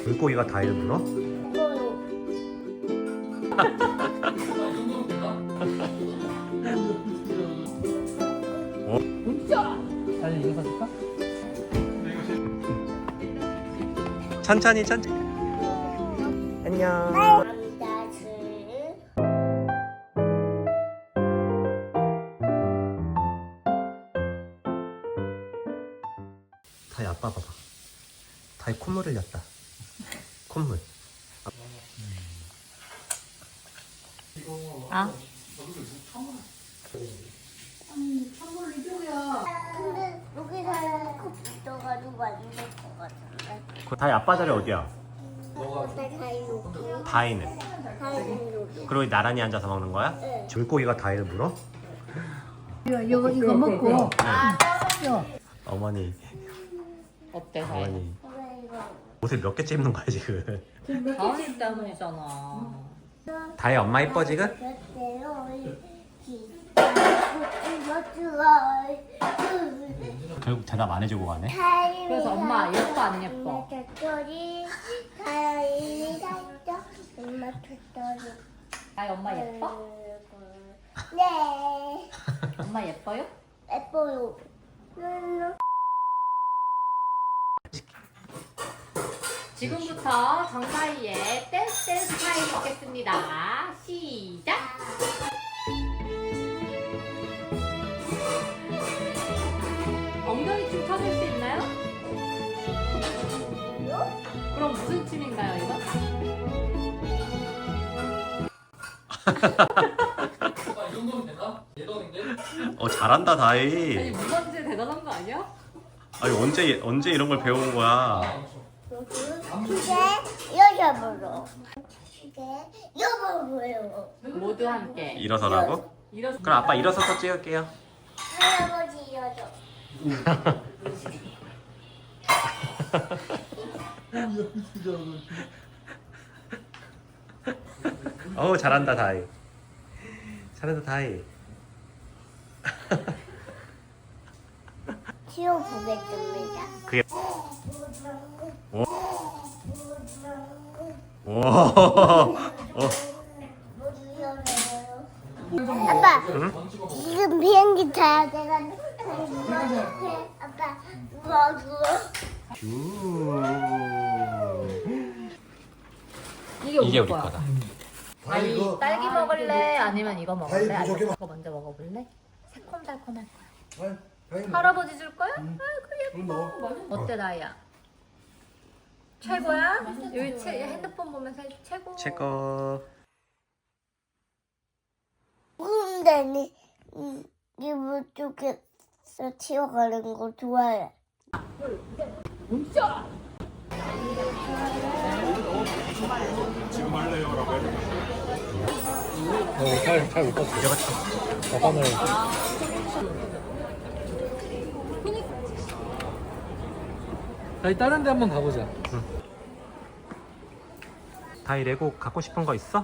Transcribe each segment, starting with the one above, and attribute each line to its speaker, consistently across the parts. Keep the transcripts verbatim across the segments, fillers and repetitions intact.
Speaker 1: 물고기가 다이를 물어?
Speaker 2: 다시 이거 사줄까?
Speaker 1: 천천히 천천히. 안녕. 다이 아빠 봐봐. 다이 콧물 흘렸다. 콧물.
Speaker 3: 아?
Speaker 4: 근데 여기서 컵 붙어가지고 안 될 것 같은데.
Speaker 1: 그 다이 아빠 자리 어디야?
Speaker 4: 근데 다 여기.
Speaker 1: 다이는.
Speaker 4: 다 여기.
Speaker 1: 그리고 나란히 앉아서 먹는 거야?
Speaker 4: 네.
Speaker 1: 물고기가 다이를 물어?
Speaker 2: 이거 이거 이거 먹고.
Speaker 1: 어머니.
Speaker 3: 어때?
Speaker 1: 어머니.
Speaker 4: 왜 이거?
Speaker 1: 옷을 몇 개째 입는 거야 지금?
Speaker 3: 다은이 때문이잖아.
Speaker 1: 다이 엄마 이뻐 지금? 결국 대답 안 해주고 가네.
Speaker 3: 그래서 엄마 예뻐 안 예뻐?
Speaker 4: 엄마 tori.
Speaker 3: 아이 엄마 예뻐?
Speaker 4: 네.
Speaker 3: 엄마 예뻐요?
Speaker 4: 예뻐요.
Speaker 3: 지금부터 정다희의 댄스 댄스 타임 먹겠습니다. 시작! 엉덩이 춤 춰줄 수 있나요? 그럼 무슨 춤인가요 이거?
Speaker 2: 이 정도면 되나? 예전인데?
Speaker 1: 어 잘한다
Speaker 3: 아니
Speaker 1: 다이.
Speaker 3: 무반제 대단한 거 아니야?
Speaker 1: 아니 언제 언제 이런 걸 배운 거야?
Speaker 4: 이게 여자분으로. 이게 여자분으로.
Speaker 3: 모두 함께
Speaker 1: 일어서라고?
Speaker 3: 일어서.
Speaker 1: 그럼 아빠 일어서서 찍을게요.
Speaker 4: 할아버지 여자.
Speaker 1: 어우 잘한다 다이. 잘한다 다이.
Speaker 4: 키워보겠습니다.
Speaker 1: 그게 오. 오. 오.
Speaker 4: 아빠,
Speaker 1: 응?
Speaker 4: 지금 비행기 타야 돼가지고. 아빠, 누워, 누워.
Speaker 3: 이게,
Speaker 1: 이게 우리 거다.
Speaker 3: 아이 딸기 먹을래? 아니면 이거 먹을래?
Speaker 5: 다이 부족해.
Speaker 3: 아니면 이거 먼저 먹어볼래? 새콤달콤할 거야.
Speaker 5: 아이, 다행이네.
Speaker 3: 할아버지 줄 거야?
Speaker 5: 응.
Speaker 3: 아이고 예뻐.
Speaker 5: 그럼 넣어.
Speaker 3: 어때 나야? 최고야? 여기 채, 핸드폰 보면서 최고.
Speaker 1: 최고.
Speaker 4: 근데 이 이불 쪽에서 튀어가는 거 좋아해.
Speaker 2: 어, 잘, 잘 못 봤어. 아빠는 다시 다른 데 한번 가보자.
Speaker 1: 다이 레고 갖고 싶은 거 있어?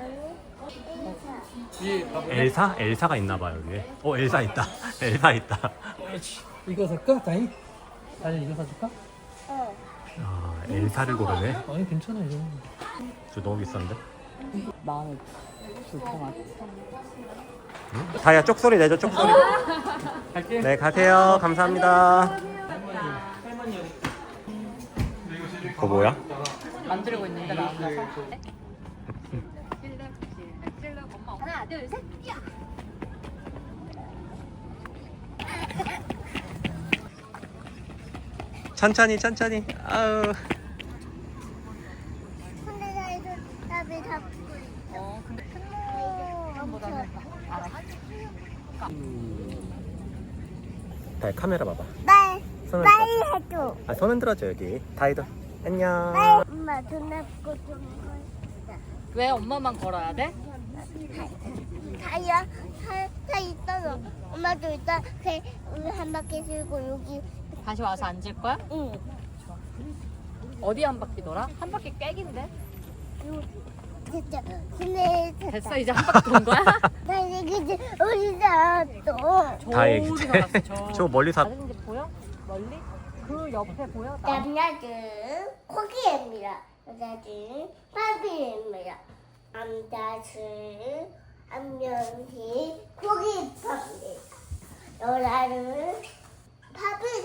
Speaker 2: 이 가볼래?
Speaker 1: 엘사? 엘사가 있나 봐 여기. 어 엘사 있다. 엘사 있다.
Speaker 2: 이거 살까? 다이? 다이 이거 사줄까?
Speaker 4: 응.
Speaker 1: 아 엘사를 고르네.
Speaker 2: 아니 괜찮아 이거.
Speaker 1: 저 너무 비싼데.
Speaker 3: 마음이 불편하다.
Speaker 1: 응? 다이야 쪽소리 내줘 쪽소리.
Speaker 2: 갈게.
Speaker 1: 네 가세요. 감사합니다. 그거 뭐야?
Speaker 3: 만들고 있는데 나 혼자서. 하나 둘 셋. 야!
Speaker 1: 천천히 천천히. 아우.
Speaker 4: 근데 나 이거 답이 다 붙고 있어.
Speaker 3: 어 근데 큰
Speaker 4: 어,
Speaker 3: 놈보다는 알아.
Speaker 1: 다이 카메라 봐봐.
Speaker 4: 빨리,
Speaker 1: 손을
Speaker 4: 빨리 해줘.
Speaker 1: 아 손 흔들어줘 여기. 다이도. 안녕.
Speaker 4: 빨리. 엄마 돈 내고 좀 걸자.
Speaker 3: 왜 엄마만 걸어야 돼?
Speaker 4: 다이야, 다, 다 있어서. 엄마도 일단 그 우리 한 바퀴 들고 여기.
Speaker 3: 다시 와서 앉을 거야?
Speaker 4: 응.
Speaker 3: 어디 한 바퀴 돌아? 한 바퀴 꽥인데?
Speaker 4: 요, 됐다. 근데 됐다.
Speaker 3: 됐어 이제 한 바퀴 돈 거야?
Speaker 4: 나 이제 어디다 또.
Speaker 1: 다이
Speaker 3: 저기
Speaker 1: 이제
Speaker 3: 나갔어, 저.
Speaker 1: 저 멀리서
Speaker 3: 다른 데 보여? 멀리? 그 옆에 보여? 나
Speaker 4: 남자들 코기입니다. 여자들은 파비입니다. 남자들은 안면이 고깃밥입니다. 여자들은 밥을